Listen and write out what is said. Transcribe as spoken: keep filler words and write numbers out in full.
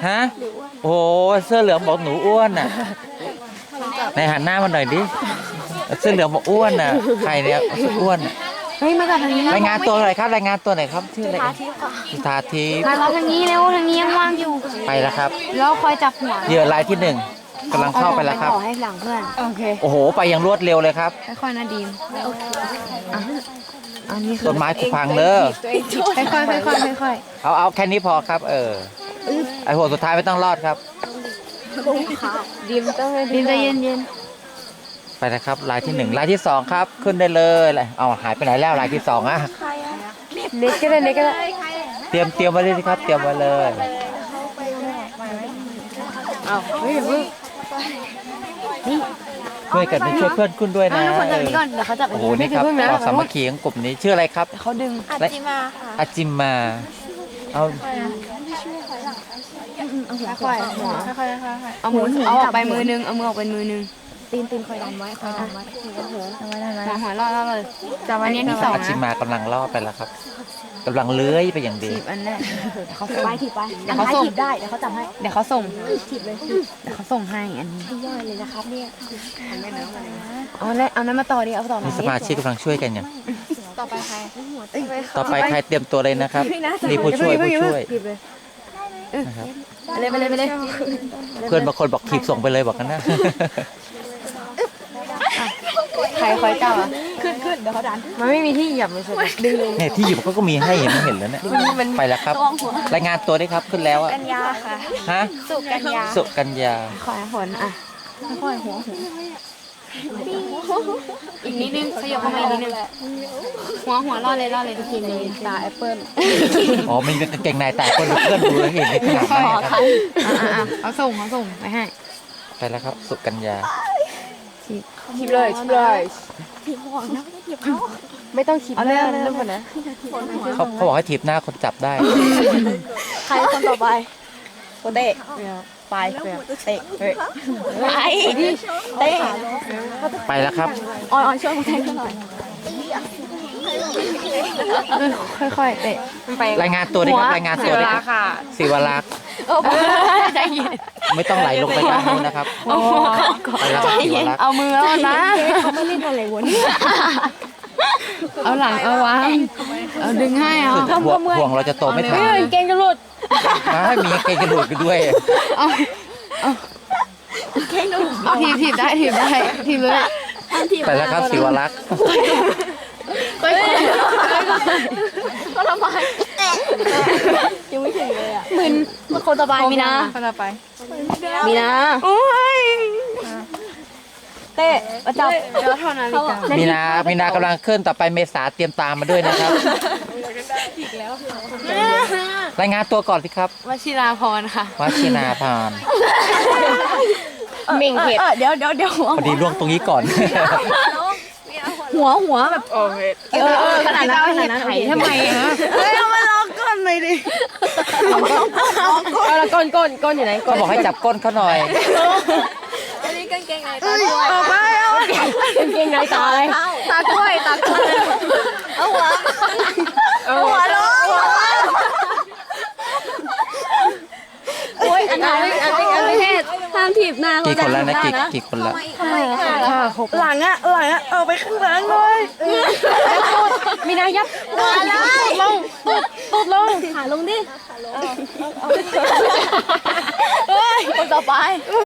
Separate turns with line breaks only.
ฮะโอ้เสื้อเหลืองบอกหนูอ้วนน่ะในหันหน้ามาหน่อยดิเสื้อเหลืองบอกอ้วนน่ะใครเนี่ยอ้วน
เฮ้ยมาจากทางนี้
รายงานตัวหน่อยครับรายงานตัวหน่อยครับชื่ออะไรสุธาทิพย์
มาเราทางนี้เร็วทางนี้ยังว่างอยู่
ไปแล้วครับ
แล้วคอยจับหัว
เหยื่อรายที่หนึ่งกำลังเข้าไปแล้วครับ
ขอให้หลังเพื่อนโอเค
โอ้โหไปอย่างรวดเร็วเลยครับ
ค่อยๆนะดีมโอเคอ่ะอันนี้คือ
ต้นไม้ผุพังเด้อ
ค่อยๆค่อยๆค่อย
เอาเอาแค่นี้พอครับ เออไอหัวสุดท้ายไม่ต้องรอดครับ
ๆดีมต้องดีมใจเย็น
ไปนะครับรายที่หนึ่งรายที่สองครับขึ้นได้เลยเอาหายไปไหนแล้วรายที่สองอะ
ๆเล็กก็ได้เล็กก็ได้
เตรียมเตรียมไว้เลยครับเตรียมไว้เลย
เอาเฮ้ยเพิ่งนี่
ช่วยกันไปช่วยเพื่อนขึ้นด้วย
เอา
นะ
ทุกคนจับนี้ก่อนเดี๋ยวเขาจับ
โอ้โหนี่ครับความสามัคคีของกลุ่มนี้ชื่ออะไรครับ
เขาดึง
อาจิมาค่ะอาจิมาเอา
ค่อยๆหัวค่อยๆเอามือเอาออกไปมือนึงเอามือออกไปมือนึงตีนตีนคอยดันไว้คอยดันไว้หัวหัวหัวหัวรอดรอดเลยจับอันนี้ที่สอง
อาจิ
นะ
มากำลังล่อไปแล้วครับกำลังเลื้อยไปอย่างดี
ถีบอันแรกเขาส่ง
ไปถีบไป
เดี๋ยวเขาส่ง
ถีบได้เดี๋ยวเขาจับให้
เดี๋ยวเขาส่ง
ถีบเลย
เดี๋ยวเขาส่งให้อันนี้
ย่อยเลยนะครับเนี่ย
เอาแล้วเอานั้นมาต่อดิเอาต่อมา
นี่สมาชิกกำลังช่วยกันอย่าง
ต่อไปใคร
ต่อไปใครเตรียมตัวเลยนะครับนี่ผู้ช่วยผู้ช่วย
ถีบเลย
นะครับ
ไปเลยไปเลยไปเลย
เพื่อนบางคนบอกถีบส่งไปเลยบอกกันนะ
ใครคอยจับอ่ะ
ขึ้นขึ้นเดี๋ยวเขาดัน
มันไม่มีที่เหยียบเลยใช่ไหมดึงเลย
เนี่ยที่อยู่เขาก็มีให้เห็นไม่เห็นแล้วเนี่ยไปแล้วครับรายงานตัวได้ครับขึ้นแล้วอะ
กัญญาค่ะ
ฮะ
สุกัญญา
สุกัญญา
ขอให้ผลอ่ะ
ค่อยหัวหัว
อีกนิดนึงขยับเข้ามาอีกนิดนึงหัวหัวรอดเลยรอดเลยทีนี้
ตาแอปเปิ้ล
อ๋อมีกางเกงในแต่คนเพื่อนดูแล้วเห็นในขนาด
ขอ
นั้น
คั
นะครับ
นอ่ะเขาส่งเขาส่งไปให้
ไปแล้วครับสุกัญญา
ถีบเลยถีบเลย
ถีบหัวนะไม่ได้ถีบเขา
ไม่ต้องถีบเอาเลยเริ่มก่อนนะ
เขาเขาบอกให้ถีบหน้าคนจับได้
ใครคนต่อไปโคเตะไปเตะเฮ้ยไปเตะ
ไปแล้วครับ
ออยออยช่วยเขาแทงหน่อย
ค่อยๆเตะมันไป
รายงานตัวได้ครับรายงานตัวได้ครับศิวรักษ์
ใจเย็น
ไม่ต้องไหลลงไปด้านนู้นนะครับ
เอาหัวเข้าก่อน
ไปแล้วครับศิวรักษ์
เอามือแล้วนะ
เขาไม่เล่นอะไรวะเนี่ย
เอาหลังเอาวางเอาดึงให้เอา
คือห่วงห่วงเราจะโตไม่ทัน
เก่งจะหลุด
ไม่มีเกงกระดูกด้วย
เอาเอาเอาถีบถีบได้ถีบได้ถีบเลย
ไปแล้วครับศิวรักษ์
ค่อยๆ
ก็ทำไมยังไม่ถึงเลยอ่ะมึนมาคนต่อไปมีนะ
คนต่อไป
มีนะ
โอ้ย
เตะมาจับ
เดี๋ยวเท่านั้นเลยจ้ะ
มีนามีนากำลังขึ้นต่อไปเมษาเตรียมตามมาด้วยนะครับรายงานตัวก่อนสิครับ
วชิราพรค่ะ
วัชินาพาน
เม่งเห็ดเดี๋ยวเดี๋ยวเดี๋ยวหัว
พอดีล่วงตรงนี้ก่อน
หัวหัวแบบ
โอเค
เออเออขนาดนั้นขนาดนั้น
ไถทำไมอ่ะ
เฮ้ยเอามาลองก้นเลยดิ
เอาละก้นก้นก้นอยู่ไหนก้
เขา
น
บอกให้จับก้นเขาหน่อย
อันนี้กางเกงในตาด้วยเอาไปเอากางเกงในตาอะไรตากล้วยตากล้วยเอาหัวเอาหัวลงโอ้ยอันไหนอันไหนอันนี้ห้ามถีบหน้า
กี่คนแล้วนะกี่กี่คนแล้ว
ทำไมอ่ะ
ค่ะหก
หลังอ่ะหลังอ่ะเอาไปข้างหลังเลยมีนายับมาเลยลงตุ๊ดตุ๊ดลงขาลงดิเฮ้ยคนต่อไป